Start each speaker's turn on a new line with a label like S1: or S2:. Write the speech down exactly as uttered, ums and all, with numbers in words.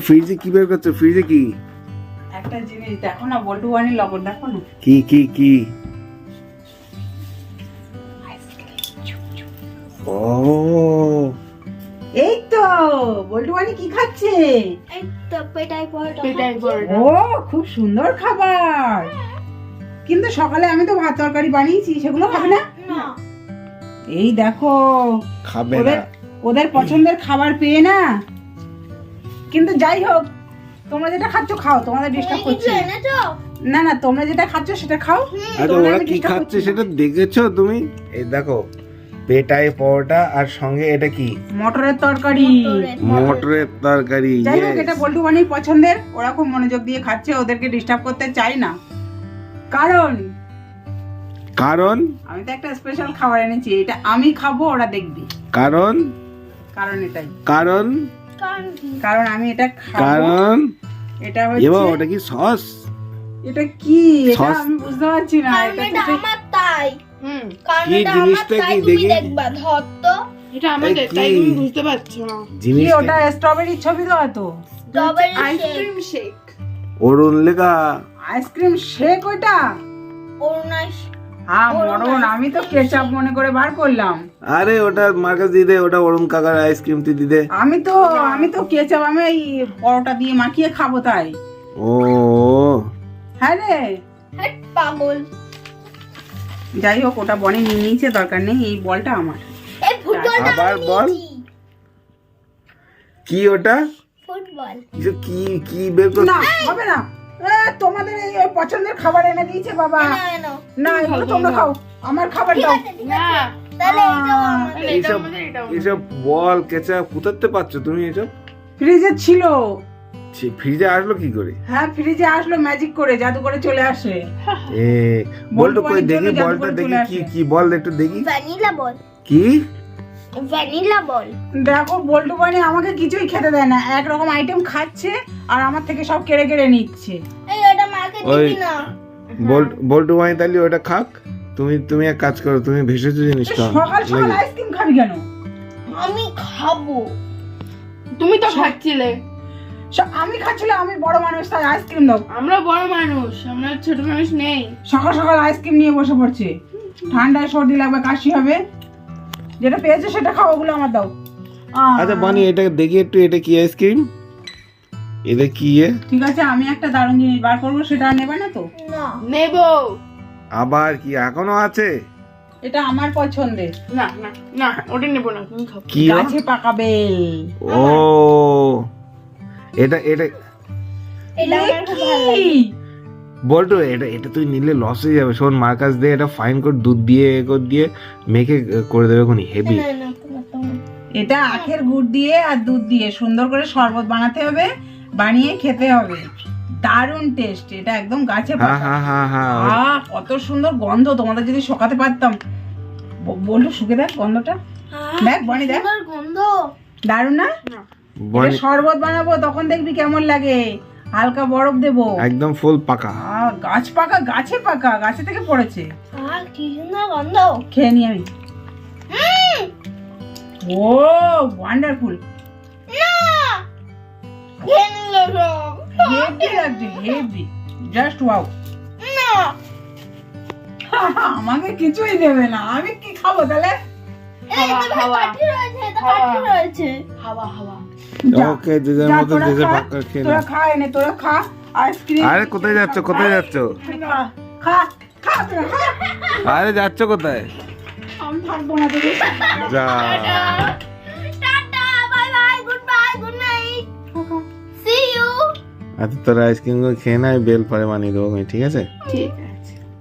S1: ফ্রিজে কি বের করছো? ফ্রিজে কি?
S2: একটা জিনিস দেখো না, বল্টু বানির লবণ দেখো না।
S1: কি কি কি? ও
S2: এই তো বল্টু বানি কি খাচ্ছে?
S3: এই তো পেটাই পরোটা
S4: পেটাই পরোটা।
S2: ও খুব সুন্দর খাবার, কিন্তু সকালে আমি তো ভাত তরকারি বানিয়েছি, সেগুলো খাবে না?
S3: না
S2: এই দেখো
S1: খাবে
S2: ওদের
S1: না।
S2: ওদের পছন্দের খাবার পেয়ে না। কিন্তু যাই হোক, তোমরা যেটা খাচ্ছ খাও, তোমাদের ডিস্টার্ব
S3: তুমি কিছু
S2: করছে
S3: এনেছো?
S2: না। না তোমরা যেটা খাচ্ছ সেটা খাও।
S1: আচ্ছা
S2: তোমরা
S1: ওরা
S2: আমি
S1: কি
S2: disturb
S1: খাচ্ছে
S2: করছি না।
S1: সেটা দেখেছো তুমি? এই দেখো পেটাই পরোটা আর সঙ্গে এটা কি?
S2: মটরের তরকারি।
S3: মটরের।
S1: মটরের তরকারি।
S2: যাই হোক,
S1: yes.
S2: এটা বল্টু বানির পছন্দের, ওরা খুব মনোযোগ দিয়ে খাচ্ছে, ওদেরকে ডিস্টার্ব করতে চাই না। কারণ
S1: কারণ
S2: আমি তো একটা স্পেশাল খাবার এনেছি, এটা আমি খাবো, ওরা দেখবে।
S1: কারণ
S2: কারণ এটাই,
S1: কারণ
S3: কারণ কি?
S2: কারণ আমি এটা খাবো।
S1: কারণ
S2: এটা
S1: এবার
S2: হচ্ছে,
S1: ওটা কি সস?
S2: এটা কি, এটা
S1: সস?
S2: আমি বুঝতে পারছি না।
S3: কারণ
S2: এটা
S3: এটা
S2: তো
S3: আমার তাই।
S4: হুম,
S3: কারণ
S1: কি
S3: এটা আমার
S1: জিনিসটা
S3: তাই,
S1: কি
S3: তুমি
S1: দেখি?
S3: দেখবা। ধর তো
S4: এটা আমাদের,
S1: এই কি?
S4: তাই তুমি বুঝতে পারছো না।
S2: কি,
S1: জিনিস
S2: ওটা স্ট্রবেরির ছবি তো হয়তো।
S3: Strawberry shake.
S4: Ice cream shake.
S1: Arun লেখা।
S2: আইসক্রিম শেক ওইটা?
S3: অরুণাস
S2: হ্যাঁ
S3: অরুণ
S2: মরণ, আমি তো
S3: ice cream
S2: কেচাপ
S3: shake।
S2: মনে করে বার করলাম।
S1: আরে ওটা মার্কাস দিদে, ওটা অরুণ কাকার আইসক্রিম তুই দিদে।
S2: আমি তো আমি তো কেচাপ আমি এই পরোটা দিয়ে মাখিয়ে খাবো তাই।
S1: ও
S2: হ্যাঁ রে,
S3: হ্যাঁ পাগল।
S2: যাই হোক, ওটা বনে নিয়ে নিয়েছে, দরকার নেই, এই বলটা আমার।
S3: এই ফুটবলটা
S1: আবার
S3: আমি
S1: বল।
S3: নিয়েছি।
S1: কি ওটা?
S3: ফুটবল।
S1: কিছু কি কি বের কর?
S2: না হবে না, এ, তোমাদের এই এই পছন্দের খাবার এনে দিয়েছে বাবা।
S3: এনো, এনো।
S2: না এগুলো তোমরা খাও, আমার খাবার
S3: ঠিক
S2: দাও।
S3: আছে, ঠিক
S4: না,
S3: আছে। তাহলে এইটাও আমাদের।
S4: তাহলে এটা
S1: এইসব
S4: আমাদের, এটা আমাদের।
S1: এইসব বল কেচাপ কোথাতে পাচ্ছ তুমি এসব?
S2: ফ্রিজে ছিল।
S1: ছি, ফ্রিজে আসলো কি করে?
S2: হ্যাঁ ফ্রিজে আসলো ম্যাজিক করে, জাদু করে চলে আসে।
S1: এ বলতো
S2: বল,
S1: কই
S2: বল,
S1: দেখি,
S2: চলে যাবো
S1: বলটা
S2: করে
S1: দেখি
S2: চলে
S1: কি
S2: আসে।
S1: কি বল একটু দেখি।
S3: ভ্যানিলা বল।
S1: কি?
S3: ভ্যানিলা বল।
S2: দেখো বল্টু বানি আমাকে কিছুই খেতে দেয় না, একরকম আইটেম খাচ্ছে আর আমার থেকে সব কেড়ে কেড়ে নিচ্ছে।
S3: এই ওটা মাকে
S1: ওই
S3: দিবি না।
S1: বল বল্টু ভাই তাহলে ওটা খাক। তুমি তুমি এক কাজ করো, তুমি ভেষজ জিনিস খাও।
S2: সকাল সকাল
S1: নাকি?
S2: আইসক্রিম খাবি কেন?
S3: আমি খাবো।
S4: তুমি তো খাচ্ছিলে।
S2: স- আমি খাচ্ছিলাম, আমি বড় মানুষ, তাই আইসক্রিম দাও।
S4: আমরা বড় মানুষ, আমরা ছোট মানুষ নেই।
S2: সকাল সকাল আইসক্রিম নিয়ে বসে পড়ছে, ঠান্ডায় সর্দি লাগবে, কাশি হবে, যেটা পেয়েছে সেটা খাও, ওগুলো আমার দাও। আহ,
S1: আচ্ছা বানি এটা দেখি একটু, এটা কি আইসক্রিম? এটা কি এ?
S2: ঠিক আছে, আমি একটা দারুণ জিনিস বার করবো, সেটা আর নেবে না তো?
S3: না।
S4: নেবো।
S1: আবার কি এখনো আছে?
S2: এটা আমার পছন্দের,
S4: না না না, ওটা নেবো না, তুমি খাও।
S1: কি ও?
S2: গাছে পাকা বেল।
S1: ও এটা এটা
S3: এটা আমার খুব ভালো লাগে।
S2: কি?
S1: বলতো এটা এটা তুই নিলে লস হয়ে যাবে। শোন মার্কাস দিয়ে এটা ফাইন করে দুধ দিয়ে এ করে দিয়ে মেখে করে দেবে কোনি হেভি।
S3: না, না, তোমার, তোমার।
S2: এটা আখের গুড় দিয়ে আর দুধ দিয়ে সুন্দর করে শরবত বানাতে হবে, বানিয়ে খেতে হবে, দারুণ টেস্ট। এটা একদম গাছে
S1: হ্যাঁ
S2: পাকা।
S1: হ্যাঁ হ্যাঁ হ্যাঁ
S2: আহ কত সুন্দর গন্ধ, তোমাদের যদি শোকাতে পারতাম। ব- বলটু শুকে দেখ গন্ধটা,
S3: আহ,
S2: দেখ বনি দেখ,
S3: সুন্দর গন্ধ।
S2: দারুণ না? এটা
S1: বনি
S2: শরবত বানাবো, তখন দেখবি কেমন লাগে, হালকা বরফ দেবো।
S1: একদম ফুল পাকা।
S2: আহ, গাছ পাকা, গাছে পাকা, গাছে থেকে পড়েছে।
S3: আহ, কি সুন্দর গন্ধ।
S2: খেয়ে নি আমি।
S3: উম,
S2: ও ওয়ান্ডারফুল,
S3: না। খেয়ে নিলো সব।
S2: হেভি লাগছে, হেভি, জাস্ট ওয়াও।
S3: না।
S2: আমাকে কিছুই দেবে না, আমি কি খাবো তাহলে?
S3: এই তো ভাই
S4: হাওয়া।
S3: কাঠি রয়েছে, এটা
S4: হাওয়া।
S3: কাঠি রয়েছে।
S4: হাওয়া হাওয়া।
S2: যা,
S1: ওকে যে যার
S2: যা,
S1: মতো
S2: তোরা
S1: যে যার
S2: খা,
S1: পাক্কা খেয়ে
S2: তোরা
S1: নাও।
S2: খা, এনে তোরা খা আইসক্রিম।
S1: আরে কোথায় যাচ্ছ, কোথায় যাচ্ছ?
S2: খা, খা, খা, তোরা খা।
S1: আরে যাচ্ছ কোথায়?
S2: আমি থাকবো না তোদের সাথে।
S1: যা
S3: tata, bye bye, good bye, good night. See you.
S1: আচ্ছা তোর আইসক্রিম খেয়ে না, বেল পরে বানিয়ে দেবো, ঠিক আছে?
S4: ঠিক আছে।